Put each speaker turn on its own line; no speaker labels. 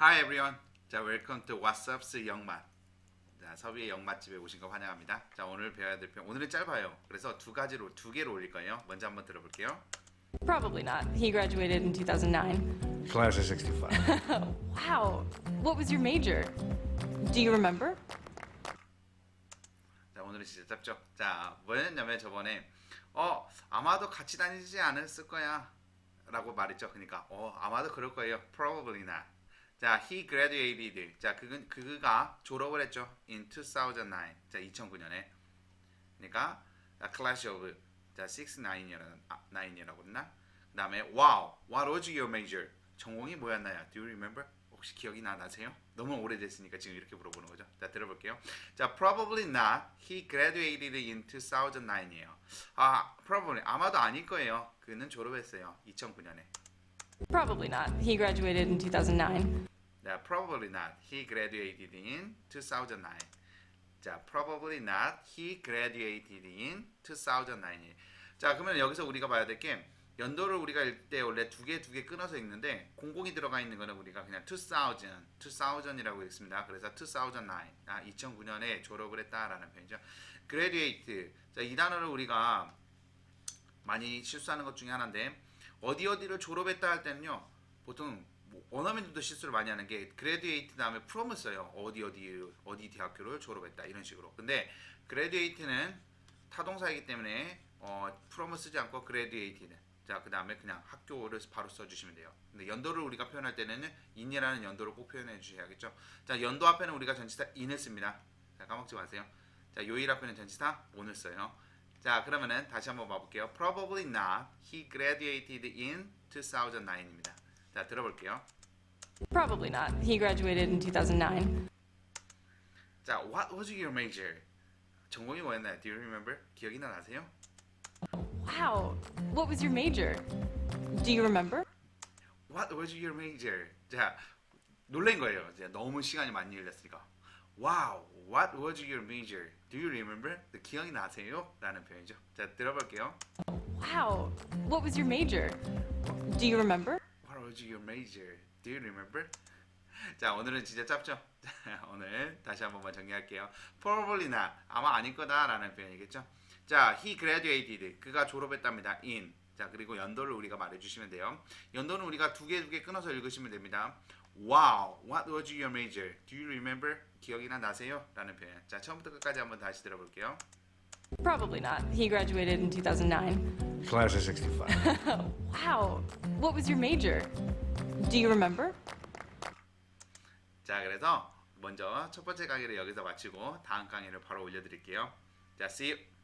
Hi everyone. 자, welcome to What's Up's 영맛. 자, 서비의 영맛집에 오신 거 환영합니다. 자, 오늘 배워야 될 표현. 오늘은 짧아요. 그래서 두 개로 올릴 거예요. 먼저 한번 들어볼게요.
Probably not. He graduated in 2009.
Class of 65.
Wow. What was your major? Do you remember?
자, 오늘은 진짜 짧죠. 자, 뭐였냐면 저번에 아마도 같이 다니지 않았을 거야 라고 말했죠. 그러니까 아마도 그럴 거예요. Probably not. 자, he graduated. 자, 그가 졸업을 했죠. In 2009. 자, 2009년에. 그러니까 class of 자, 69이라고 했나? 그 다음에 wow, what was your major? 전공이 뭐였나요? Do you remember? 혹시 기억이 나세요? 너무 오래됐으니까 지금 이렇게 물어보는 거죠. 자, 들어볼게요. 자, probably not. He graduated in 2009이에요. probably 아마도 아닐 거예요. 그는 졸업했어요. 2009년에.
Probably not. He graduated in 2009.
자, probably not. He graduated in 2009. 자, probably not. He graduated in 2009. 자, 그러면 여기서 우리가 봐야 될 게 연도를 우리가 읽을 때 원래 두 개 끊어서 읽는데 공공이 들어가 있는 거는 우리가 그냥 2000이라고 읽습니다. 그래서 2009, 2009년에 졸업을 했다라는 표현이죠. graduate. 자, 이 단어를 우리가 많이 실수하는 것 중에 하나인데 어디를 졸업했다 할 때는요. 보통 원어민들도 실수를 많이 하는 게 graduate 다음에 from을 써요. 어디 대학교를 졸업했다 이런 식으로. 근데 graduate는 타동사이기 때문에 from을 쓰지 않고 graduated. 자, 그 다음에 그냥 학교를 바로 써주시면 돼요. 근데 연도를 우리가 표현할 때는 in이라는 연도를 꼭 표현해 주셔야겠죠. 자, 연도 앞에는 우리가 전치사 in을 씁니다. 자, 까먹지 마세요. 자, 요일 앞에는 전치사 on을 써요. 자, 그러면은 다시 한번 봐볼게요. Probably not. He graduated in 2009입니다. 자, 들어볼게요.
Probably not. He graduated in 2009.
자, what was your major? 전공이 뭐였나요? Do you remember? 기억이 나세요?
Wow. What was your major? Do you remember?
What was your major? 자, 놀란 거예요. 이제 너무 시간이 많이 흘렸으니까. Wow, what was your major? Do you remember? 기억이 나세요? 라는 표현이죠. 자, 들어볼게요.
Wow. What was your major? Do you remember?
What was your major? Do you remember? 자, 오늘은 진짜 짧죠? 자, 오늘 다시 한 번만 정리할게요. Probably not. 아마 아닐 거다 라는 표현이겠죠? 자, he graduated. 그가 졸업했답니다. In. 자, 그리고 연도를 우리가 말해주시면 돼요. 연도는 우리가 두 개 끊어서 읽으시면 됩니다. Wow, what was your major? Do you remember? 기억이나 나세요? 라는 표현. 자, 처음부터 끝까지 한번 다시 들어볼게요.
Probably not. He graduated in 2009.
Class of 65.
Wow. What was your major? Do you remember?
자, 그래서 먼저 첫 번째 강의를 여기서 마치고 다음 강의를 바로 올려드릴게요. 자, see you.